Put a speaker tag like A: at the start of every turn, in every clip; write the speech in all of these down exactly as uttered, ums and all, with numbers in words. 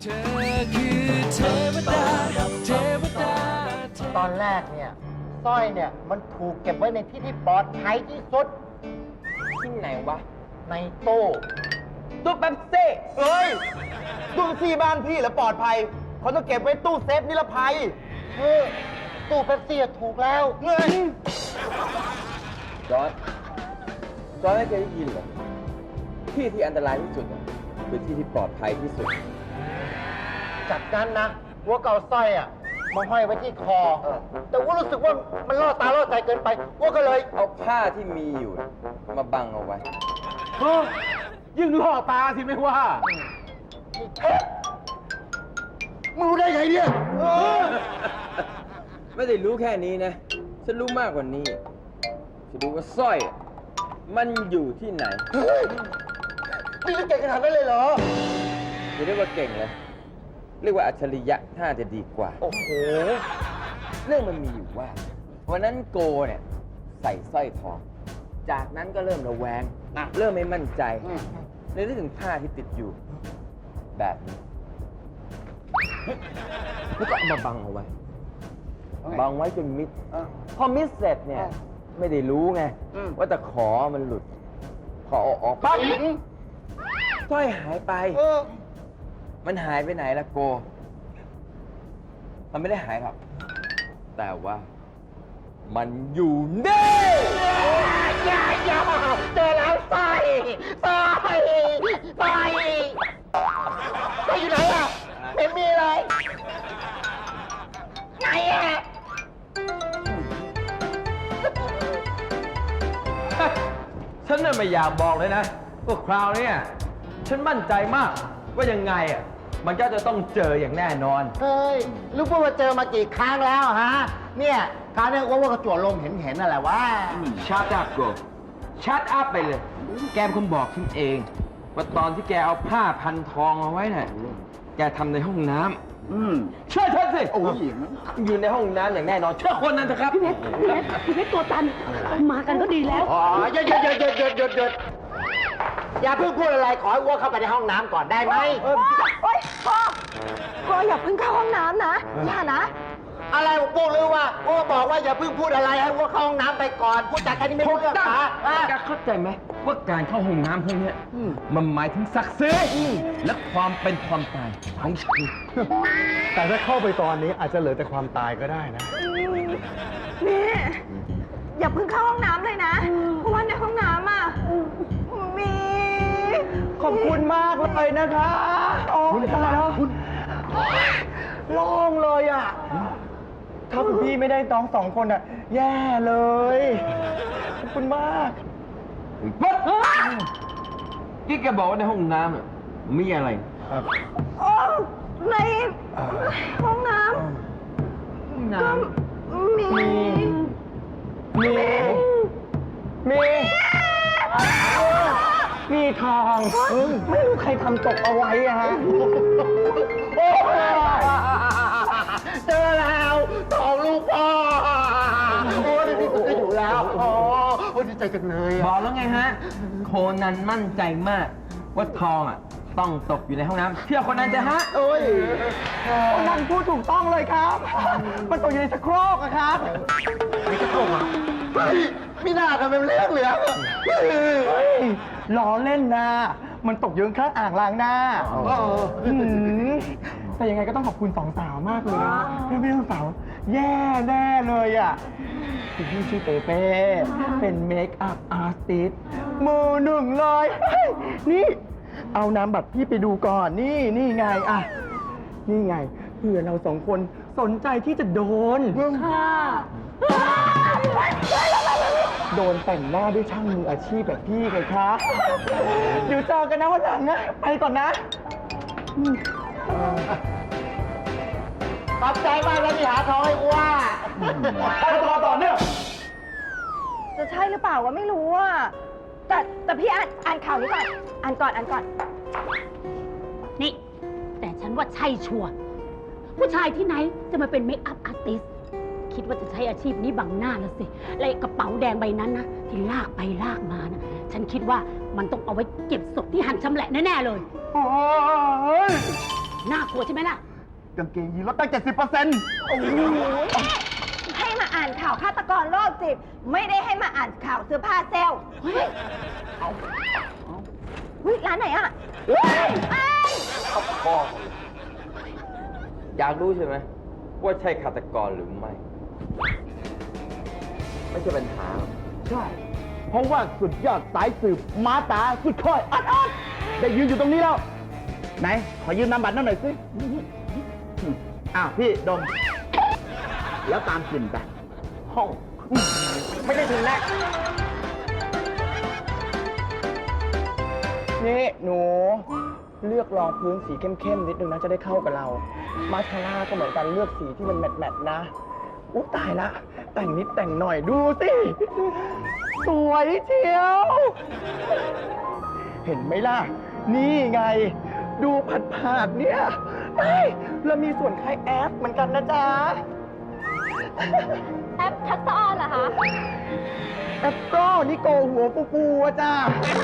A: เธอคือเทวดาเทวดา
B: ตอนแรกเนี่ยสร้อยเนี่ยมันถูกเก็บไว้ในที่ที่ปลอดภัยที่สุด
C: ที่ไหนวะ
B: ในตู้
C: ตู้แป๊บซี่
B: เฮ้ยตู้ซี่บ้านพี่แล้วปลอดภัยเขาต้องเก็บไว้ตู้เซฟนิรภัยเออตู้เป๊ปซี่ถูกแล้วเงิน
C: จอร์ดจอร์ดไม่เคยได้ยินเหรอที่ที่อันตรายที่สุดอะคือที่ที่ปลอดภัยที่สุด
B: จากนั้นนะวัวเก่าสร้อยอ่ะมาห้อยไว้ที่คอ แต่ว่ารู้สึกว่ามันล่อตาล่อใจเกินไปวัวก็เลย
C: เอาผ้าที่มีอยู่มาบังเอาไว้
D: ยิ่งล่อตาสิไม่ว่า
B: มึงรู้ได้ไงเนี่ยเออ
C: ไม่ได้รู้แค่นี้นะ ฉันรู้มากกว่านี้ ฉันรู้ว่าสร้อย มันอยู่ที่ไหน
B: เฮ้ยนี่เก่งขนาดนั้นเลยเหรอ
C: จะเรียกว่าเก่งเลย เรียกว่าอัจฉริยะถ้าจะดีกว่า
B: โอ้โห
C: เรื่องมันมีอยู่ว่า วันนั้นโกเนี่ยใส่สร้อยทอง จากนั้นก็เริ่มระแวง เริ่มไม่มั่นใจเลยนึกถึงผ้าที่ติดอยู่ แบบนี้ แล้วก็เอามาบังเอาไว้ บังไว้จนมิด พอมิดเสร็จเนี่ย ไม่ได้รู้ไง ว่าแต่ขอมันหลุด พอเอาออกปั๊บสร้อยหายไป มันหายไปไหนล่ะโก มันไม่ได้หายหรอก แต่ว่า มันอยู่นี่
B: อย่าอย่าเจอแล้วสร้อยสร้อยสร้อยสร้อยอยู่ไหนอ่ะไม่มีเลยไหนอ่ะ
D: ฉันน่ะไม่อยากบอกเลยนะว่าคราวเนี้ยฉันมั่นใจมากว่ายังไงอ่ะมันก็จะต้องเจออย่างแน่นอน
B: เฮ้ยลูกพวกมาเจอมากี่ครั้งแล้วฮะ เนี่ยคราวนี้ว่าว่ากระจวดลมเห็นเห็นอะไรวะ
D: ชัดอัพโกชัดอัพไปเลย แกเป็นคนบอกฉันเอง ว่าตอนที่แกเอาผ้าพันทองเอาไว้น่ะ แกทำในห้องน้ำอืมเชื่อฉันสิอยู่ในห้องน้ำอย่างแน่นอน เชื่อคนนั้นเถอะครับ
E: พี่เพชรพี่เพชรพี่เพชรตัวตัน มากันก็ดีแล้ว
B: อ๋อหยุดหยุดหยุดหยุดหยุดหยุดหยุดอย่าเพิ่งพูดอะไรขอให้อ้วกเข้าไปในห้องน้ำก่อนได้ไหม
E: โอ๊ยพ่อพ่ออย่าเพิ่งเข้าห้องน้ำนะ อย่านะ
B: อะไรผมพูดหรือว่าอ้วกบอกว่าอย่าเพิ่งพูดอะไรให้อ้วกเข้าห้องน้ำไปก่อนพูดจากแค่นี้ไม่
D: ถู
B: รู้
D: ก
B: เรื่อง
D: ต้อง
B: ปะอ่ะ
D: แกเข้าใจไหมว่าการเข้าห้องน้ำพวกเนี้ยมันหมายถึงศักดิ์ศรีและความเป็นความตายของชีวิต
F: แต่ถ้าเข้าไปตอนนี้อาจจะเหลือแต่ความตายก็ได้นะ
E: นี่อย่าเพิ่งเข้าห้องน้ำเลยนะ เพราะว่าในห้องน้ำอ่ะ มี
F: ขอบคุณมากเลยนะคะโอ้ยตายแล้วคุณโล่งเลยอ่ะ ถ้าคุณพี่ไม่ได้น้องสองคนอ่ะ แย่เลย ขอบคุณมาก
D: ปั๊บที่แกบอกว่าในห้องน้ำอะมีอะไร
E: โอ้ในห้องน้
D: ห้องน้
E: ำก็มี
F: มี มี มีทอง ไม่รู้ใครทำตกเอาไว้อะฮะ
B: โอ้เจอแล้วทองลูกพ่อโอ้ดีๆก็อยู่แล้วอ๋อโอ้ดีใจจังเลย
D: ำบ
B: อ่ะ
D: อกแล้วไงฮะ โคนันมั่นใจมากว่าทองอ่ะ ต้องตกอยู่ในห้องน้ำเชื่อคนนั้นจะฮะ
B: โอ้ย
F: คนนั้นพูดถูกต้องเลยครับ มันตกอยู่ในสโครกอะครับ
B: ไม่กระโดดอ่ะเฮ้ยไม่น่าทำเป็นเรื่องเหลืองอ่ะเฮ้ย
F: เฮ้ยล้อเล่นนะ มันตกอยู่ข้างอ่างล้างหน้า
B: เออ
F: หืมแต่ยังไงก็ต้องขอบคุณสองสาวมากเลยนะพี่พี่สองสาวแย่แน่เลยอ่ะคุณพี่ชื่อเปเป้เป็นเมคอัพอาร์ติสต์มือหนึ่งเลยเฮ้ยนี่ เอาน้ำบัตรพี่ไปดูก่อน นี่นี่ไงอ่ะ นี่ไงเผื่อเราสองคนสนใจที่จะโดน
E: ค่ะ
F: โดนแต่งหน้าด้วยช่างมืออาชีพแบบพี่ไงคะ เดี๋ยวเจอกันนะวันหลังนะ ไปก่อนนะ
B: ขอบใจมากนะที่หาทองให้อ้ว
F: ไปต่อต่อเนี่ย
E: จะใช่หรือเปล่าวะไม่รู้อ่ะ แต่แต่พี่อ่านอ่านข่าวนี้ก่อน อ่านก่อน อ่านก่อน
G: นี่ แต่ฉันว่าใช่ชัวร์ผู้ชายที่ไหนจะมาเป็นเมคอัพอาร์ติสต์คิดว่าจะใช้อาชีพนี้บังหน้าแล้วสิและไอ้กระเป๋าแดงใบนั้นนะที่ลากไปลากมานะฉันคิดว่ามันต้องเอาไว้เก็บศพที่หั่นชำแหละแน่ๆเลย
F: โอ้ย
G: น่ากลัวใช่ไหมล่ะ
F: กางเกงยีนลดตั้งเจ็ดสิบเปอร์เซ็นต์
E: โอ้โหให้มาอ่านข่าวฆาตกรโรคจิต ไม่ได้ให้มาอ่านข่าวเสื้อผ้าเซลล์เฮ้ยเอาเฮ้ยร้านไหนอ่ะเฮ้ยไอ้
C: พ่ออยากรู้ใช่ไหมว่าใช่ฆาตกรหรือไม่ ไม่ใช่ปัญหา
F: ใช่ เพราะว่าสุดยอดสายสืบมาตาสุดค่อยอัดอัดได้ยืนอยู่ตรงนี้แล้ว ไหน ขอยืมนามบัตรนั่นหน่อยสิอ้าว พี่ดม แล้วตามกลิ่นไป ห้อง ไม่ได้ถึงแรกนี่หนู เลือกรองพื้นสีเข้มๆนิดนึงนะจะได้เข้ากับเรา มาสคาร่าก็เหมือนกันเลือกสีที่มันแมทๆนะอุ๊ยตายละ แต่งนิดแต่งหน่อยดูสิ สวยเชียว เห็นไหมล่ะ นี่ไง ดูผัดๆเนี่ยเอ้ยเรามีส่วนคล้ายแอปเหมือนกันนะจ๊ะ
E: แอปทักษะออนเหรอคะ
F: แอปโก้นี่โกหัวปูปูอะจ้า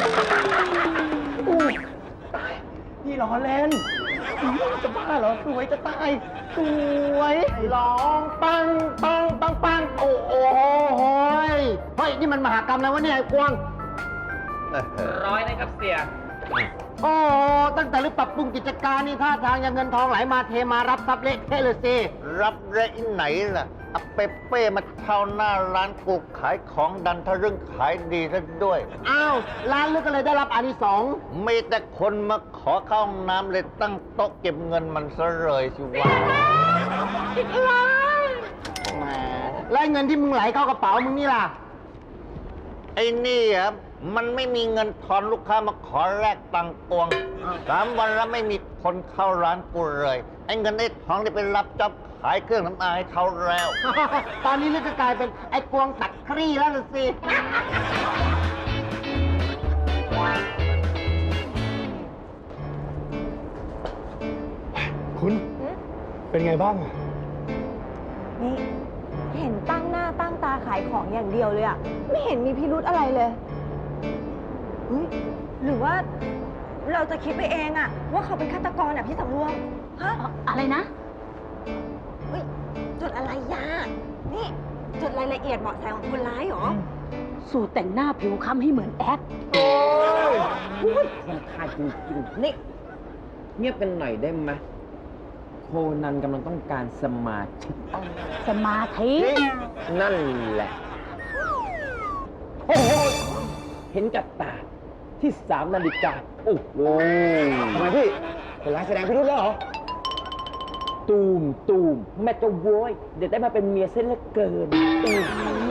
F: อู้ตายพี่ล้อเล่นอื้อจะบ้าเหรอ สวยจะตาย สวยร้องปังปังปังปังโอ้โหโหยเฮ้ย นี่มันมหากรรมแล้ววะเนี่ยไอ้กวาง
D: ร้อยนะครับเสีย
B: โอ้ตั้งแต่รื้อปรับปรุงกิจการนี่ท่าทางยังเงินทองไหลมาเทมารับทรัพย์เละเทะเลยสิ
H: รับได้ที่ไหนล่ะเอาเปเป้มาเช่าหน้าร้านกูขายของดันทะรึ่งขายดีซะด้วย
B: อ้าว ร้านลึกก็เลยได้รับอานิสงส์
H: มีแต่คนมาขอเข้าห้องน้ำเลยตั้งโต๊ะเก็บเงินมันซะเลยสิวะ
B: แหมแล้วเงินที่มึงไหลเข้ากระเป๋ามึงนี่ล่ะ
H: ไอ้นี่อ่ะมันไม่มีเงินทอนลูกค้ามาขอแลกตังค์ตวงสามวันแล้วไม่มีคนเข้าร้านกูเลย ไอ้เงินไอ้ทองที่ไปรับจ็อบขายเครื่องน้ำอายเขาแล้ว
B: ตอนนี้ลึกก็กลายเป็นไอ้กวงตัดครี่แล้วล่ะสิ
F: คุณ เป็นไงบ้างอะ
E: นี่ เห็นตั้งหน้าตั้งตาขายของอย่างเดียวเลยอ่ะ ไม่เห็นมีพิรุธอะไรเลยเฮ้ยหรือว่าเราจะคิดไปเองอ่ะ ว่าเขาเป็นฆาตกรอ่ะพี่สำรวมฮะ
G: อะไรนะ
E: เฮ้ยจดอะไรยานี่จดรายละเอียดเบาะแสของคนร้ายเหรอ
G: สูตรแต่งหน้าผิวค้ำให้เหมือนแอค
C: มันคาจริงๆนี่ เงียบกันหน่อยได้ไหมโคนันกำลังต้องการสมาธิ
G: สมาธิ
C: นั่นแหละ โอ้โห เห็นกับตาที่สามนาฬิกา โอ้โห
F: ทำไมพี่คนร้ายแสดงพิรุธแล้วเหรอ
C: ตูมตูมแม่จะโวย เดี๋ยวได้มาเป็นเมียเส้นเหลือเกินตูม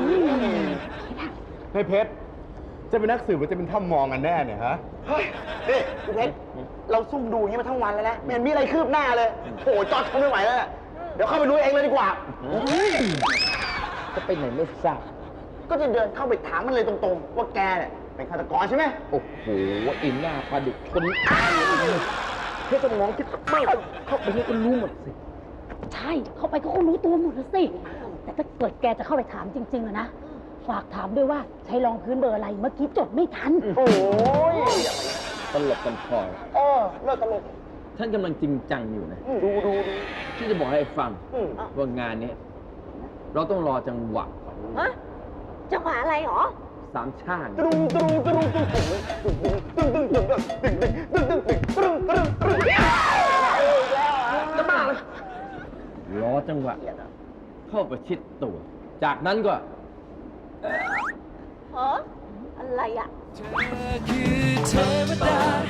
F: เฮ้ยเพชร จะเป็นนักสืบหรือจะเป็นถ้ำมองกันแน่เนี่ยฮะ เฮ้ยนี่คุณเพชร เราซุ่มดูอย่างนี้มาทั้งวันแล้วนะไม่เห็นมีอะไรคืบหน้าเลย โอ้โหจอดทนไม่ไหวแล้วน่ะเดี๋ยวเข้าไปดูเองเลยดีกว่า
C: จะไปไหนไม่ทราบ
F: ก็จะเดินเข้าไปถามมันเลยตรงๆ ว่าแกเนี่ยเป็นฆาตกรใช่ไหม
C: โอ้โหอินหน้าปลาดุกคนอ้ายแค่สมองคิดมากเข้าไปนี่ก็รู้หมดสิ
G: ใช่ เข้าไปก็คงรู้ตัวหมดแล้วสิ แต่ถ้าเกิดแกจะเข้าไปถามจริงๆอะนะ ฝากถามด้วยว่าใช้รองพื้นเบอร์อะไร เมื่อกี้จดไม่ทัน
F: โอ้ย
C: ตลกกันพอ
F: เออเลิกตลก
C: ท่านกำลังจริงจังอยู่นะ
F: ดูดูดู
C: ที่จะบอกให้ฟัง
F: อืม
C: ว่างานนี้เราต้องรอจังหวะ
E: ฮะ จังหวะอะไรหรอ
C: สามช่าง
F: ตรุงตรุงตรุงตรุงตึ้งตึ้งตึ้งตึ้งตึ้งตึ้งตึ้งตึ้งตึ้งตึ้งตึ้งตึ้งตึ้งตึ้งตึ้ง
C: จะบ้าเลยรอจังหวะ เข้าประชิดตัว จากนั้นก็
E: ฮะ อะไรอ่ะ
A: เธอคือเทวดา